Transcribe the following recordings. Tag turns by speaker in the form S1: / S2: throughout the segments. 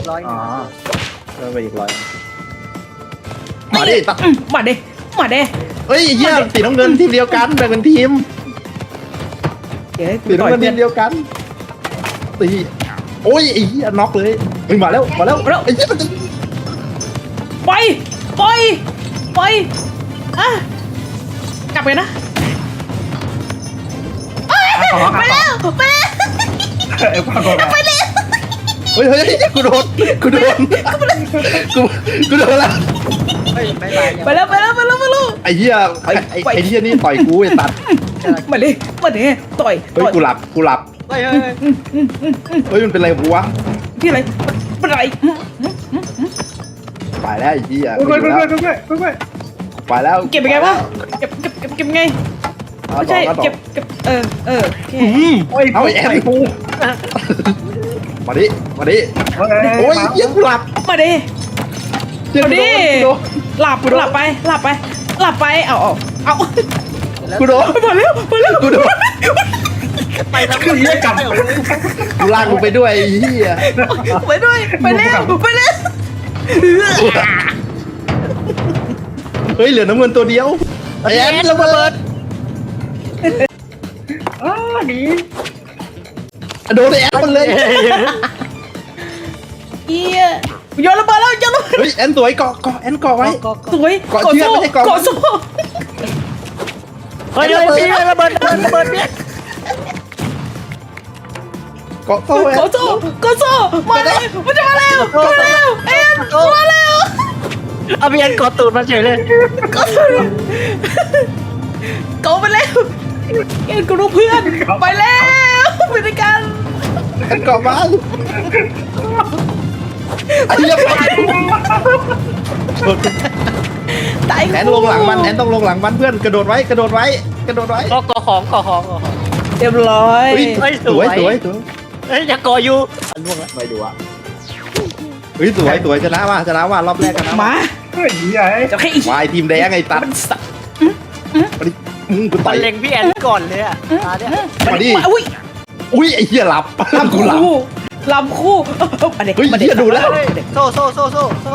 S1: ร้อย
S2: อ๋อ
S3: เพิ่มไปอีก100มาดิตัด
S4: มาเด้มาเด้
S3: เฮ้ยเหี้ยสีน้ำเงินทีมเดียวกันแบ่งเป็นทีม
S4: เดี๋ยว
S3: สีน้ำเงินทีมเดียวกันตีโอ้ยไอ้เหี้ยน็อกเลยเฮ้ยมาแล้วไอ้เหี้ยมันจะ
S4: ไปไปอ่ะกลับไปนะไปแล้วไปแล้ว
S2: ไอ้ความกดดัน
S4: ไปแล้ว
S3: เฮ้ยกูโดนกูโดนแล้ว
S1: เฮ้ยไม่ไป
S4: ไปแล้ว
S3: ไอ้เหี้ยไอ้เหี้ยนี่ต่อยกูไอ้ตัด
S4: มาเด้ต่อย
S3: เฮ้ยกูหลับ
S1: เฮ้ย
S3: เฮ้ยมันเป็นไรกูวะ
S4: ที่อะไรเป็นไร
S3: ไปแล้วไอ้เหี้ย
S2: เพื่อน
S3: ไปแล้ว
S4: เก็บยังไงวะเก็บไงไม่ใช่เก็บโอเค
S3: เอาไอ้แอนกูมาดิโอ้ยเหี้ยกูหลับ
S4: มาเด้
S3: เหี้ย
S4: มา
S3: กู
S4: ดิ
S3: โดน
S4: หลับไปเอา
S3: กูโดน
S4: มาแล้ว
S3: กูโดน
S1: ไปแล้ว
S2: คือเหี้ยกลับ
S3: กูลากมึงไปด้วยไอ้เหี้ย
S4: ไปด้วยไปแล้ว
S3: เฮ้ยเหลือน้ำเงินตัวเดียวไอ้แอนระเบิด
S2: หนี
S3: โดนไอ้แอนมันเลย
S4: เอียโยนระเบิดแล้วโยนระเบิด
S3: เฮ้ยแอนสวยเกาะแอนเกาะไว้
S4: สวย
S3: เกาะเชือกไม่ใช่เกาะ
S4: เกาะโซ่
S1: เฮ้ยพี่ระเบิดพี่
S3: เกาะโซ่แอน
S4: เกาะโซ่มาแล้วมันจะมาแล้วเอ็นมาแล้ว
S1: เอาพี่แอนกดตูดมาเฉยเลย
S4: เกาะไปแล้วเอ็นกูรู้เพื่อนไปแล้วไปด้วยกัน
S3: แอนเกาะมาไอ้เหี้ย
S4: ตาย
S3: แอนลงหลังมันแอนต้องลงหลังมันเพื่อนกระโดดไว้
S1: ก็ของ
S4: เรียบร้อย
S3: เฮ้ยสวย
S1: เฮ้ยอย่าก่ออยู่ล่วงแล้ว
S3: ไม่ดูอ่ะเฮ้ยสวยชนะว่ารอบแรกชนะ
S4: มา
S2: เฮ้ยใหญ่
S4: จะให้อีก
S3: วายทีมแดงไอ้ตัด
S4: มันสับ
S3: กูต่อย
S1: เล็งพี่แอนก่อนเลยอ่ะตาเนี่ย
S3: มาดิ
S4: อุ้ย
S3: อุ้ยไอ้เหี้ยหลับกูหลับ
S4: ลำคู่มาเด็ก
S3: เฮ้ย
S4: มาเด็ก
S3: เหี้ยดูแล้ว
S1: โซ่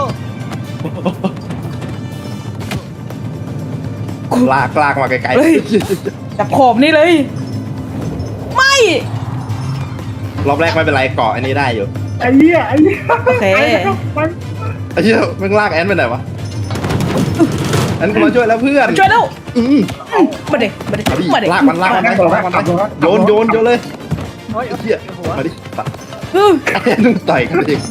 S3: ลากมาไกล
S4: จับขอบนี่เลย ไม่
S3: ๆรอบแรกไม่เป็นไรเกาะอันนี้ได้อยู่
S2: ไอ้เหี้ย
S4: โอเค
S3: ไอ้เหี้ยมึงลากแอนไปไหนวะแอนกูมาช่วยแล้วเพื่อน
S4: ช่วยแล้ว มาเด็ก
S3: มาดิ
S4: มาเด็ก
S3: ลากมันโยนเลย
S1: เฮ้ย
S3: ไอ้เหี้ยมาดิตัด
S4: เออ
S3: แอนมึงต่อยกันเอง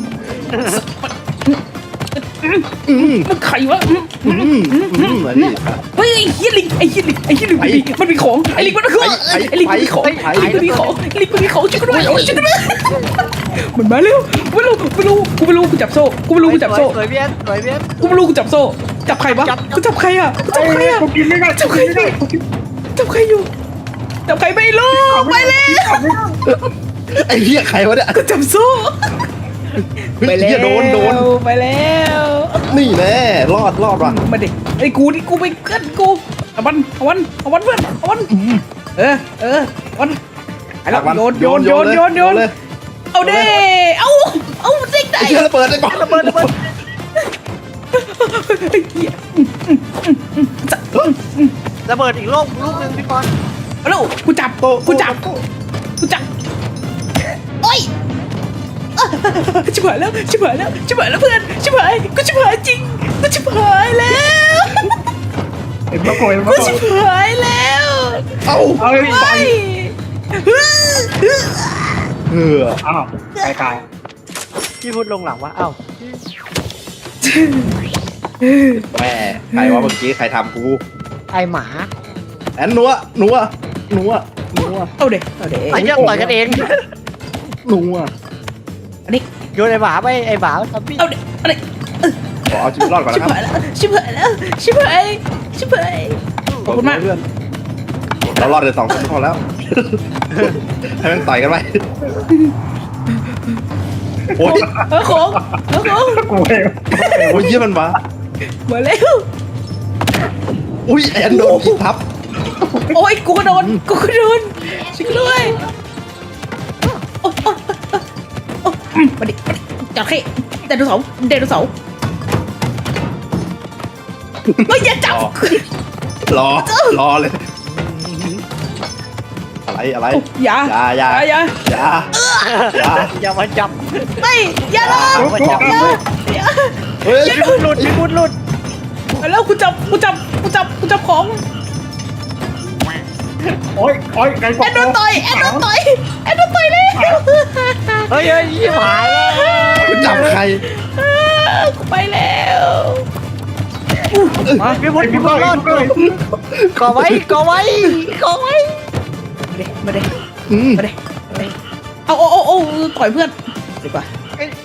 S4: มันไขวะ
S3: มาดิ
S4: เฮ้ยไอ้เฮียลิงมันมีของไอ้ลิงมันมีของไอ้ลิงมันมีของช่วยกันด้วยมันมาเร็วไม่รู้กูจับโซ่กูไม่รู้กูจับโซ่
S1: สวยพี่แอน
S4: กูไม่รู้กูจับโซ่จับใครวะกูจับใครอ่ะกูจับใครอ่ะ
S2: กูกินไม่ได้
S4: จับใครอยู่จับใครอยู่จับใครไม่รู้ไปแล้ว
S3: ไอ้เหี้ยใครวะเนี่ย
S4: กูจับโซ่ไปแล้ว
S3: โดน
S4: ไปแล้ว
S3: นี่แน่รอดว่ะ
S4: มาดิไอ้กูนี่กูไปเกินกูเอาวันเพื่อนเอาวันวันไอ้เราโยนเอาเด้เอาเด็กไหน
S3: ไอ้เหี้ยระเบิดไอ้บอลระเบิด
S1: ระเบิดอีกลูกนึงพี่ปอน
S4: เอาลูกกูจับโอ้ยชิบหายแล้วเพื่อนชิบหายกูชิบหายจริงกูชิบหายแล้ว
S2: ไอ้มะกรูด
S4: กูชิบหายแล้ว
S3: เอ้า
S2: เอาไอ้
S4: ไป
S2: อ้าวตาย
S1: พี่พูดลงหลังว่าอ้าว
S3: แม่ใครวะเมื่อกี้ใครทำกู
S1: ไอหมา
S3: แอนนัว
S4: เอาเด็ก
S1: ไอเรื่องต่อยกันเอง
S3: นัว
S4: อันนี้
S1: โยนไอหมาไปไอหมาทำพี่
S4: เอาเด็กอันนี้
S3: ขอเอาชีวิตรอดก่อน
S4: ชิ
S3: นะ
S4: บ
S3: ครับ
S4: หายแล้วชิบหายขอบคุณมาก
S3: เพื่อนเรารอดเลย2 คนพอแล้วให้มันต่อยกันไปโอ้ย
S4: ของ
S2: กูเอง
S3: โอ้ยเยี่ยมันมา
S4: มาแล้ว
S3: อุ้ยแอนโดนยิงทับ
S4: โอ้ยกูก็โดนช่วยด้วยมาดิจอดให้ไดโนเสาร์ไดโนเสาร์เฮ้ยอย่าจับ
S3: รอเลยอะไร
S4: อย่า
S3: อย่า
S1: อย่ามาจับ
S4: ไม่อย่าเลย อย่า
S3: เฮ้ย
S1: พี่พุทธหลุดพี่พุทธหลุด
S4: แล้วกูจับของ
S2: โอ้ยไก่ก
S4: แอนโดนต่อยเลย
S1: เฮ้ยยี่หายแล้ว
S3: จับใคร
S4: กูไปแล้ว
S1: พี่พุทธรอดก่อไว้
S4: มาเด้
S3: อืม
S4: เอาต่อยเพื่อนดีกว่า
S1: เอ้ย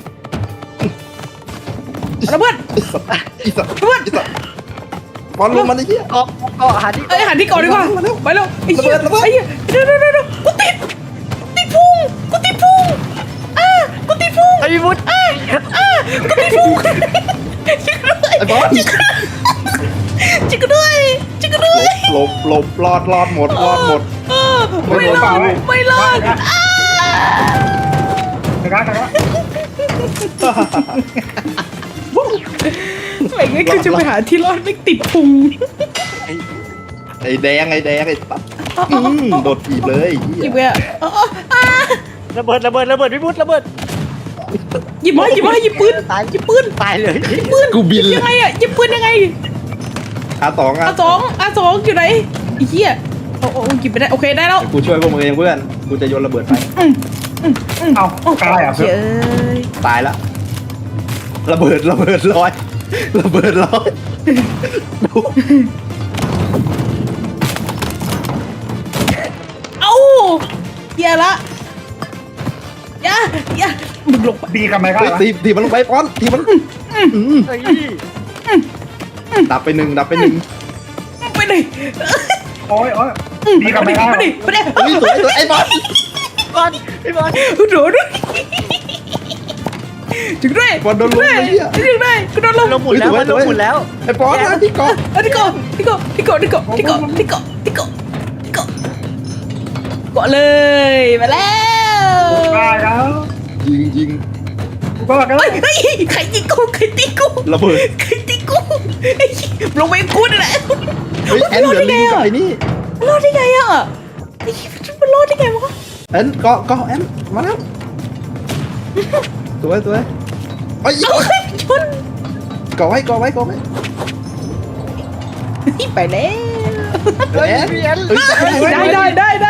S4: เอาเพื่อน
S3: อีสัตว์บอลลงมาไอ้เหี้ย
S1: เกาะหาที่
S4: เอ้ยหันที่ก่อนดีกว่าไปแล้วไอ้เหี้ย
S3: ระเบิด
S4: ไอ้เหี้ยเดี๋ยวกูติดพุงกูติดพุงกูติดพุง
S1: ไอ้พี่พุทธ
S4: กูติดพุงจิกด้วย
S3: ไอ้บอล
S4: จิกด้วย
S3: หลบรอดหมด
S4: ไม่รอด
S2: ไก่กาย
S4: อะไรเงี้ยคือจะไปหาที่รอดไม่ติดพุง
S3: ไอ้แดงไอ้ตัดโดดถีบเลย
S4: หยิบไปอ่ะ
S1: ระเบิดพี่พุทธระเบิด
S4: หยิบหยิบปืน
S1: ตาย
S4: หยิบปืน
S1: ตายเลย
S3: กูบินเล
S4: ยั
S3: ย
S4: งไงอ่ะหยิบปืนยังไง
S3: R2
S4: R2 อยู่ไหนไอ้เหี้ยโอ้หยิบไปได้โอเคได้แล้ว
S3: กูช่วยพวกมึงเองเพื่อนกูจะโยนระเบิดไป
S2: เอากายอ่ะ
S4: เฉย
S3: ตายละระเบิดลอยดู
S4: เอ้าเหี้ยละอย่ามึงลงไป
S2: ดีกันไหมครั
S3: เฮ้ย
S2: บ
S3: ตีมันลงไปป้อนตีมัน
S1: เฮ้ย
S3: ดับไปหนึ่ง
S4: ไปเลย
S2: โอ้ยดีกันไหมครับ
S4: ไปดิ
S3: เฮ้ยสวยไอ้บอล
S1: พี่บอล
S4: โดดถึงด้วย
S3: บอลโดนลงไอ้เหี้ย
S4: ถึงด้วยกูโดนลง
S1: ลงหมุนแล้วมันลงหมุนแล้ว
S3: ไอ้บอลนะที่เกาะ
S4: ที่เกาะเลยมาแล้ว
S2: กายครับ
S3: ยิง
S2: ก็กัน
S4: เฮ้ยใครตีกู
S3: ระเบิด
S4: ลงไปกูนี่แหละ
S3: เฮ้ยแอนเดือดลิงกับไอ้นี่
S4: รอดได้ไงอ่ะมันรอดได้ไงวะ
S3: แอนเกาะแอนมาแล้วสวยเฮ้ย
S4: เอาใครชน
S3: เกาะไว้
S4: ไปแล้ว
S1: เฮ้ยพี่แอน
S4: ได้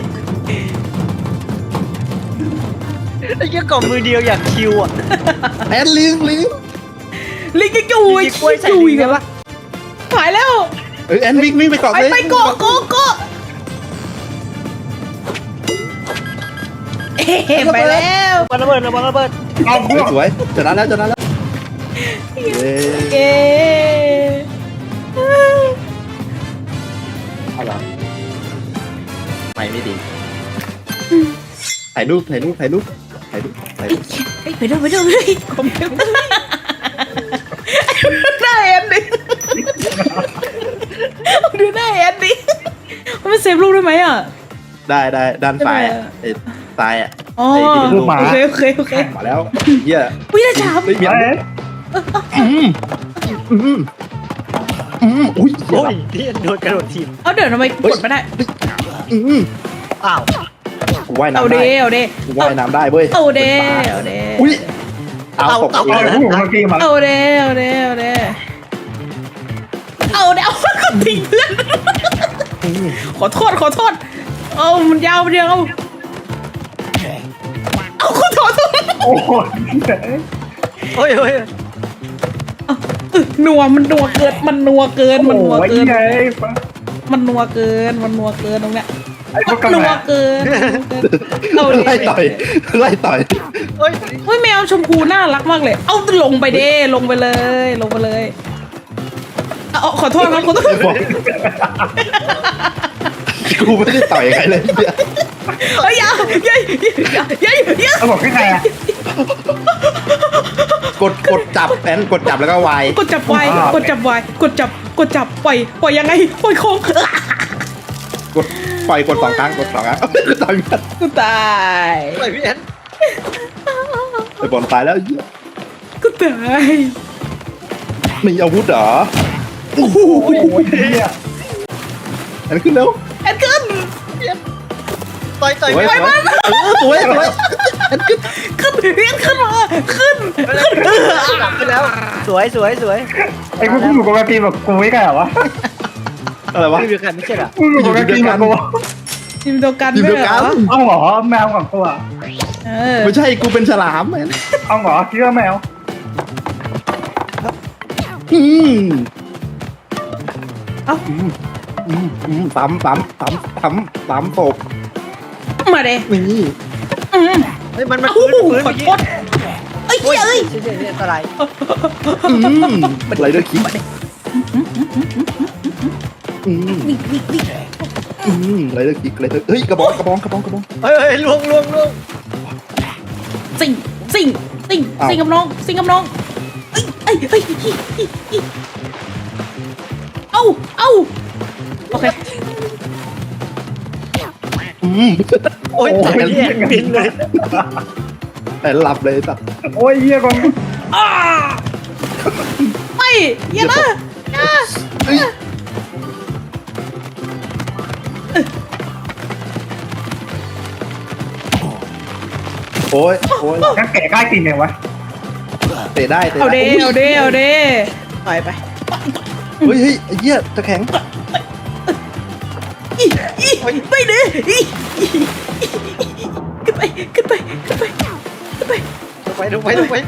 S1: ไอ้เหี้ยกล่อมมือเดียวอย่างคิวอ่ะ
S3: แอนลิง
S4: ลิงก็จู
S1: มีกล้วยใส่ลิงได้ปะ
S4: หายแล้ว
S3: แอนวิ่งไปเกาะเลย
S4: ไปเกาะไปแล้ว
S1: มันระเบิด
S2: เอาเพื่อน
S3: สวยชนะแล้ว
S4: เ
S3: เย้
S4: อ
S3: อะไรไม่ดีถ่ายรูป
S4: ไปด้วยคอมพิวเตอร์หน้าแอนดิดูหน้าแอนดิมันเซฟรูปได้ไหมอ่ะ
S3: ได้ด้านซ้ายไอ้ตายอ่ะ
S4: อ๋อ
S3: ไอ้ที่เป็นรูป
S4: โอเค
S3: มาแล้วเหี้ย
S4: วินาฉาบ
S3: เฮ้ยเมีย
S2: เอ้ย
S3: อุ้ย
S1: โอ้ยพี่แอนโดนกระโดดทีม
S4: เอาเดี๋ยวทำไมกดไม่ได้
S1: อ้าว
S3: กูว่าย
S4: เอา
S3: น้ำ
S4: เด
S3: ได้
S4: เอาเด
S3: กูว่ายน้ำได้เว้ย
S4: เอาเด
S3: อุ้ยเอาตก
S2: เอาผู้เมื่อกี้มา
S4: เอาเดเอาก็ทิ้งเพื่อนขอโทษเอามันยาวเดียวเอาขอโทษ
S2: โอ้ย
S1: เฮ้ย
S4: นัวมันนัวเกินมันนัวเกิน
S2: ไง
S4: ตรงเนี้ย
S2: ไอ้พวกกัน
S4: นัวเกินเอาเด
S3: ไล่ต่อย
S1: เฮ้ย
S4: เฮ้ยแมวชมพูน่ารักมากเลย เอาลงไปเด้ลงไปเลยเอาขอโทษครับ
S3: กูไม่ได้ต่อยใครเลยเนี่ย
S4: เฮ้ยอย่า
S2: เขาบอกแค่ไงอ่ะ
S3: กดจับแอนกดจับแล้วก็วาย
S4: กดจับปล่อยยังไงปล่อยของ
S3: กดสองครั้งกดต่อยกัน
S4: กูตาย
S1: เฮ้ยพี่แอน
S3: ไอ้บอลตายแล้ว
S4: ก็ตาย
S3: มีอาวุธเหรอ
S4: โอ้โห
S2: โอ้ยเฮีย
S3: อันขึ้นแล้ว
S4: แอนเกิน
S1: ต่อย
S3: สวย
S1: ไม่
S3: สวยสวยสวยอันขึ้น
S4: ขึ้นเรียนขึ้นมาขึ้น
S1: ขึ้นแล้วสวยสวยสวย
S2: ไอ้กูอยู่กับแมพีแบบกูไม่กล้าวะ
S3: อะไรวะ
S1: ไม่มีใครไม่ใช่เหรอ
S2: กูอยู่กับแมพีแบบกู
S4: ทีมเดียวกัน
S3: ทีม
S4: ไม่
S3: เดียว
S4: เหร
S3: กั
S4: อน
S2: เอาเหรอแมวของกูอ่ะ
S4: เออ
S3: ไม่ใช่กูเป็นฉลามแมน
S2: เอาเหรอคิดว่าแมว
S3: อืม
S4: เอ้า
S3: ปั๊มตบ
S4: มาเด้
S3: นี่
S1: เฮ้ยมัน
S4: โอ้โห
S1: พื้น
S4: ขอ
S1: เมื่อกี้
S4: โทษเอ้ย
S1: โอ้ย
S4: เอ้ย
S1: เฉยๆอันตราย
S3: ไรเดอร์คิกไรเดอร์คิกไรเดอร์เฮ้ยกระบอง
S1: เฮ้ยล่วง
S4: สิงกับน้องเอ้ยเอ้าโอเค
S1: โอ้ยตายเนี่ยบินเลย
S3: แต่หลับเลยสัตว์
S2: โอ้ยเฮียกอง
S4: อ้าไม่อย่านะอย่า
S3: โอ้ย
S2: นักแก่ใกล้ตีนเนี่ยวะ
S3: เตะได้
S4: เอาเด้ต่อยไป
S3: เฮ้ยไอ้เหี้ยจะแข็ง
S4: ไม่เด้ขึ้นไป
S1: ลงไป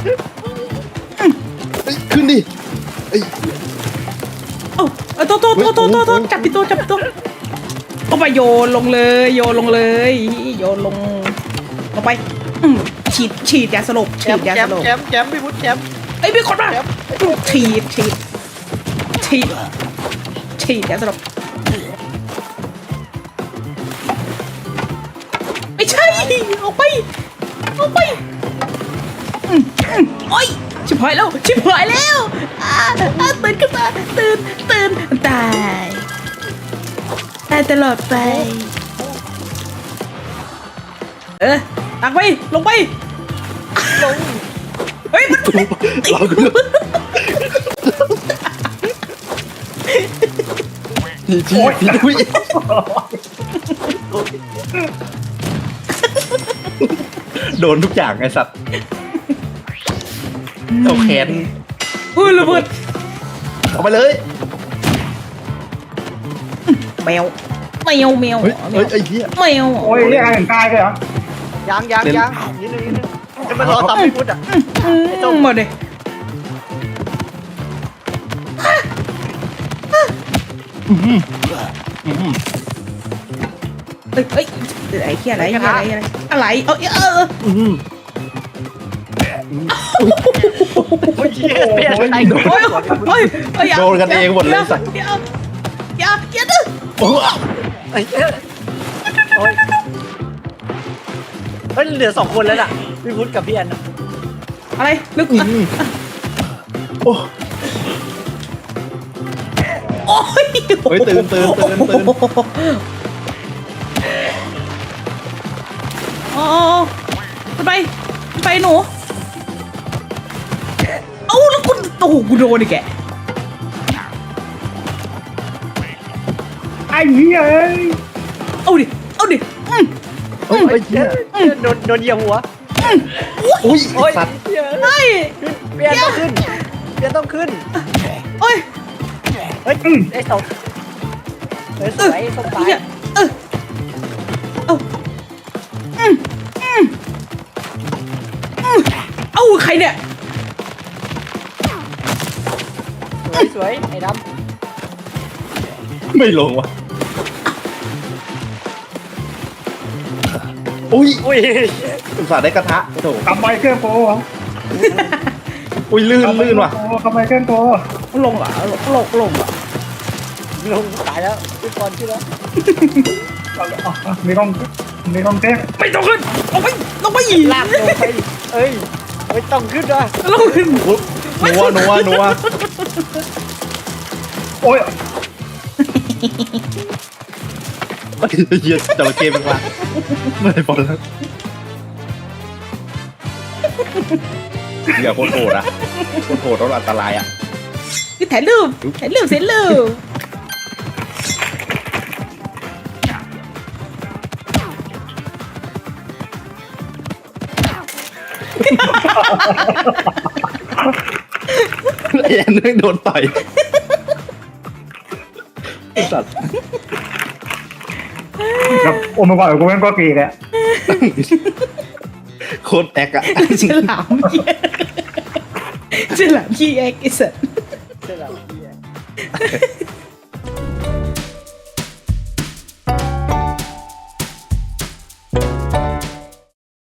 S3: ขึ้นดิไอ้
S4: โตจับปิโตเอาไปโยนลงเลยโยนลงไปฉีดยาสลบ
S1: แชมป์พี่พุทธแชมป์
S4: ไอ้พี่คนมาฉีดยาสลบไม่ใช่เอาไปโอ้ยชิบหายแล้วตื่นขึ้นมาตื่นตายตลอดไปตักไปลงไปเฮ้ยมัน
S3: เราดูทีโดนทุกอย่างไอ้สัตว์เอาแขน
S4: ระเบิด
S3: เอาไปเลย
S4: แมว
S3: เฮ้ยไอ้เหี้ย
S4: แมว
S2: โอ้ยเรียกอะไรถึงตายเลยเหรอ
S1: ยังนิดนึงจะมารอทำพี่พุทธอ่ะ
S4: มาดิเฮ้ยไอ้เหี้ยอะไร
S1: โอ้ยเหี้ยเปลี่ยนอะไร
S3: โดนกันเองหมดเลยสัตว์
S4: อย่าดื้อ
S3: โอ้
S1: โอ้ยเฮ้ยเหลือ2 คนแล้วน่ะพี่พุทธกับพี่แอน
S4: อะไรลึก
S3: โอ้
S4: โอ้ย
S3: เฮ้ยตื่น
S4: อ๋อไปหนูเอ้าแล้วกูโดนอีกแก
S2: ไอ้เฮีย
S4: เอาดิ
S3: เฮ้ยเหี้ย
S1: โดนเหยียบหัว
S3: อุ้ย
S1: โอ้ย
S3: สัตว์
S1: เหี้ย
S4: เฮ้ย
S1: เปลี่ยนต้องขึ้น
S4: โอ้ย
S1: เฮ้ยไอ้สองสวยสมตาย
S4: เอ้าใครเนี่ย
S1: สวยไอ้ด
S3: ไม่ลงวะอุ้ย
S1: ำอุ้ย
S3: อุตส่าห์ได้กระทะโถ
S2: ทำไมเครื่องโก
S3: อุ้ยลื่นว่ะ
S2: ทำไมเครื่องโก
S4: ลงเหรอลงเหรอ
S1: ลงตายแล้วขึ้นก่อนขึ้นแล้ว
S2: มีกองเต้น
S4: ไม่ต้องขึ้นลงไป
S1: ลากลงไปเอ้ยไม่ต้องขึ้นด้วย
S4: ลงขึ้น
S3: นัว
S2: โอ้ย
S3: เหี้ยจระเข้เป็นว่าไม่ได้บอลแล้วอย่าโคตรโหดอ่ะโหดแล้วอันตรายอ่ะ
S4: คือถ่ายรูปเสร็จรูป
S3: ไอ้แอนนึงโดนต่อยไอ้สัตว์
S2: แบบโอ้มาก่อนกูแม่งก็เกย์แหละ
S3: โคตรแอกอะ
S4: ฉลามเหี้ยฉลามขี้แอกไอ้สัส
S1: เชื่อเรา